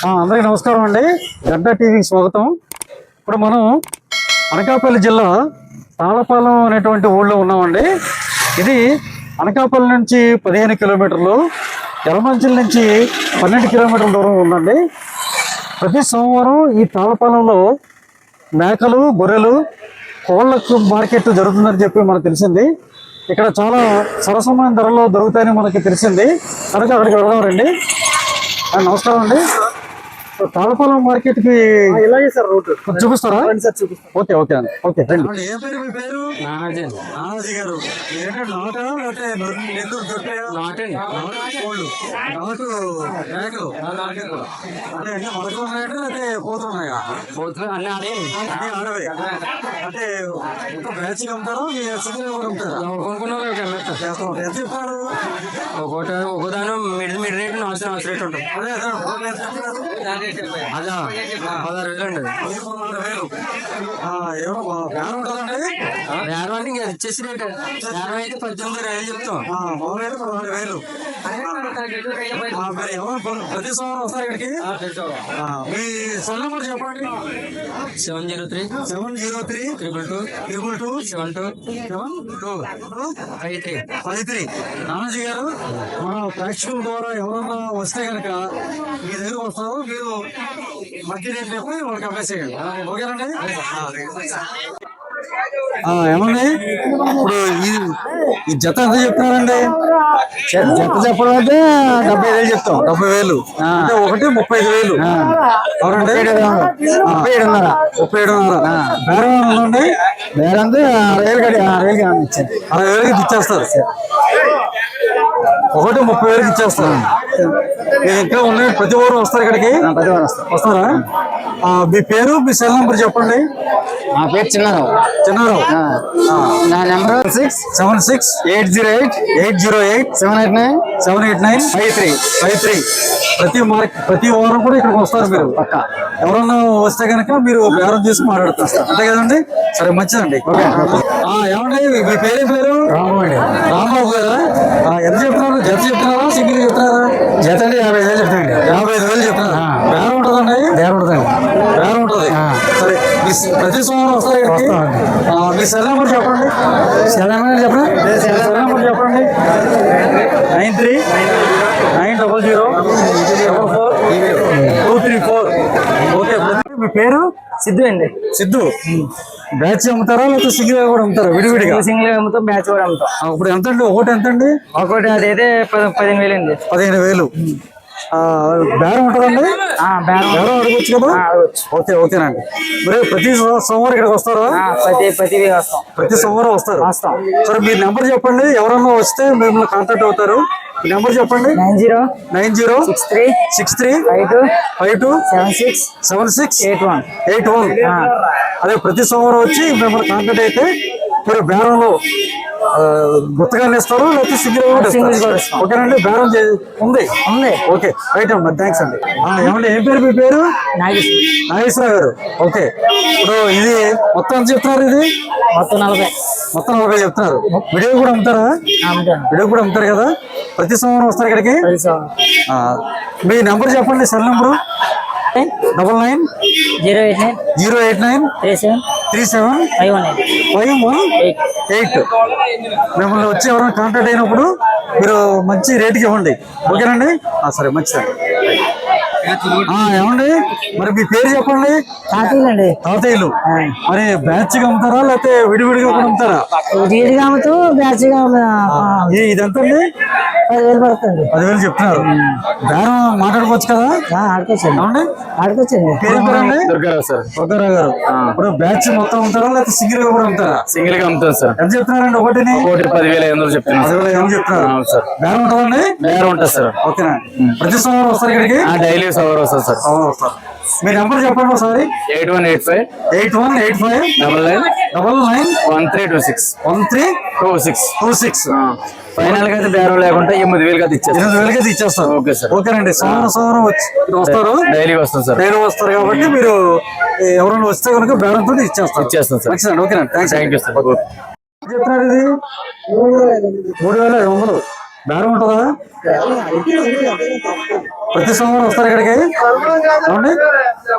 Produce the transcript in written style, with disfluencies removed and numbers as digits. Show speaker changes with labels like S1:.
S1: అందరికీ నమస్కారం అండి. గడ్డ టీవీకి స్వాగతం. ఇప్పుడు మనం అనకాపల్లి జిల్లా తాళపాలెం అనేటువంటి ఊళ్ళో ఉన్నామండి. ఇది అనకాపల్లి నుంచి 15 కిలోమీటర్లు, యలమంచిలి నుంచి 12 కిలోమీటర్ల దూరం ఉందండి. ప్రతి సోమవారం ఈ తాళపాలెంలో మేకలు, గొర్రెలు, కోళ్ళకు మార్కెట్ జరుగుతుందని చెప్పి మనకు తెలిసింది. ఇక్కడ చాలా సరసమైన ధరల్లో దొరుకుతాయని మనకి తెలిసింది కనుక అక్కడికి వెళ్దాం రండి. నమస్కారం అండి. తాళపాలెం మార్కెట్ కి ఇలాగే సార్ రూట్ చూపిస్తారా? ఓకే ఓకే అండి. ఓకే రండి. ఏం పేరు మీ పేరు? నానాజీ గారు. అంటే బ్యాచ్ అమ్ముతారా? ఎంత చెప్పారు?
S2: ఒకదాని మిడ్ రేట్ నాలుగు రేట్ ఉంటుంది. అదా 16,000 అండి. బేరం అంటే ఇంకా ఇచ్చేసి రేట్. బేరం అయితే 18,000 చెప్తాం.
S1: 16,000. ప్రతి సోమవారం వస్తారు ఇక్కడికి. మీ ఫోన్ నెంబర్ చెప్పండి.
S2: 703
S1: 222 53. నానాజీ గారు, మన ప్రేక్షకుల ద్వారా ఎవరన్నా వస్తే కనుక మీ దగ్గర వస్తారు, మీరు మధ్య రేట్ చెప్పి వాళ్ళకి అమ్మేసేయండి. ఓకేనండి. ఏమండి ఇప్పుడు ఈ జత ఎంత చెప్తున్నారండి? జత చెప్పడం అంటే 70,000 చెప్తాం. 70,000 అంటే ఒకటి 35,000. అవునండి. 37,500. 37,500. బేరం ఉందండి. బేరం అంటే 60,000కి ఇచ్చేస్తారు. ఒకటి 30,000కి ఇచ్చేస్తారు. ఇంకా ఉన్నాయి. ప్రతి వారం వస్తారు ఇక్కడికి. ప్రతి వారం వస్తారా? మీ పేరు, మీ సెల్ నెంబర్ చెప్పండి.
S2: మా పేరు చిన్నారావు. నా నెంబర్
S1: 76780878978953. ప్రతి వారం కూడా ఇక్కడికి వస్తారు మీరు. పక్క ఎవరన్నా వస్తే కనుక మీరు బేరం తీసుకుని మాట్లాడుతారు. అంతే కదండి. సరే, మంచిదండి. ఏమండి మీ పేరు? రాంబాబు గారా? ఎంత చెప్తున్నారు? జత చెప్తున్నారా, సింగిల్ చెప్తున్నారా? జత అండి 55,000 చెప్తానండి. 55,000 చెప్తున్నారు. బేరం ఉంటుందండి? బేరం ఉంటుంది. సరే, ప్రతి సోమవారం వస్తారు ఇక్కడికి. మీ సెల్ నెంబర్ చెప్పండి. సెల్ నెంబర్ చెప్పండి. 9390044234. ఓకే. మీ పేరు?
S2: సిద్ధు అండి.
S1: సిద్ధు. బ్యాచ్ అమ్ముతారా లేకపోతే సింగిల్ కూడా అమ్ముతారా? విడివిడిగా
S2: సింగిల్ అమ్ముతాం, బ్యాచ్ కూడా అమ్ముతాం.
S1: ఇప్పుడు ఎంత అండి? ఒకటి ఎంత అండి?
S2: ఒకటి అదైతే 15,000 అండి.
S1: 15,000. బేరం ఉంటుందండి? బేరం అడగచ్చు కదా? ఓకేనండి. మరి ప్రతి సోమవారం ఇక్కడికి వస్తారా? ప్రతి సోమవారం వస్తారు. సరే, మీ నెంబర్ చెప్పండి. ఎవరన్నా వస్తే మిమ్మల్ని కాంటాక్ట్ అవుతారు. నెంబర్ చెప్పండి. 906352767681. అదే ప్రతి సోమవారం వచ్చి మిమ్మల్ని కాంటాక్ట్ అయితే మీరు బేరంలో గుత్తగా ఇస్తారు, లేకపోతే సింగిల్ కూడా. ఓకేనండి. బేరం ఉంది. ఓకే, రైట్ అమ్మా. థ్యాంక్స్ అండి. ఏమండి ఏం పేరు? మీ పేరు? నాగేశ్వర గారు. ఓకే. ఇప్పుడు ఇది మొత్తం ఎంత చెప్తున్నారు? ఇది మొత్తం 40 చెప్తున్నారు. వీడియో కూడా అమ్ముతారా? వీడియో కూడా అమ్ముతారు కదా. ప్రతి సోమవారం వస్తారు ఇక్కడికి. మీ నెంబర్ చెప్పండి. Cell number 9908937518. మిమ్మల్ని వచ్చి ఎవరైనా కాంటాక్ట్ అయినప్పుడు మీరు మంచి రేటుకి ఇవ్వండి. ఓకేనండి. సరే, మంచిదండి. ఏమండి మరి మీ పేరు చెప్పండి. తాతయ్యలు. మరి బ్యాచ్ గా అమ్ముతారా లేకపోతే విడివిడిగా కూడా అమ్ముతారా?
S2: విడిగా అమ్ముతూ బ్యాచ్ గా.
S1: ఇదంతా 10,000 పడుతుంది. 10,000 చెప్తున్నారు. బేరం మాట్లాడుకోవచ్చు కదా? ఆడుకోవచ్చండి. పేరు పేరండి? దుర్గారావు గారు. ఇప్పుడు బ్యాచ్ మొత్తం అమ్ముతారా లేకపోతే సింగిల్ గా కూడా అమ్ముతారా?
S3: సింగిల్ గా అమ్ముతారు సార్.
S1: ఎంత చెప్తున్నారండి? ఒకటి
S3: 10,500 చెప్తున్నారు.
S1: 10,500 చెప్తున్నారు. బేరం ఉంటుందండి?
S3: బేరం ఉంటుంది సార్.
S1: ఓకేనా. ప్రతి సోమవారం వస్తారు ఇక్కడికి?
S3: డైలీ సోమవారం వస్తారు సార్.
S1: మీ నెంబర్ చెప్పండి ఒకసారి.
S3: 8185991326. ఫైనల్ గా అయితే బేరం లేకుండా 8,000
S1: ఇచ్చేస్తారు. Okay sir. ఓకేనండి. సోమవారం వస్తారు.
S3: డైలీ వస్తాం సార్.
S1: డైలీ వస్తారు కాబట్టి మీరు ఎవరైనా వస్తే కనుక బేరంతో ఇచ్చేస్తాం సార్. మంచిదండి. ఓకేనండి. Thank you sir. చెప్తున్నారు ఇది 3,500. బేరం ఉంటుందా? ప్రతి సోమవారం వస్తారు ఇక్కడికి? ఏమండి?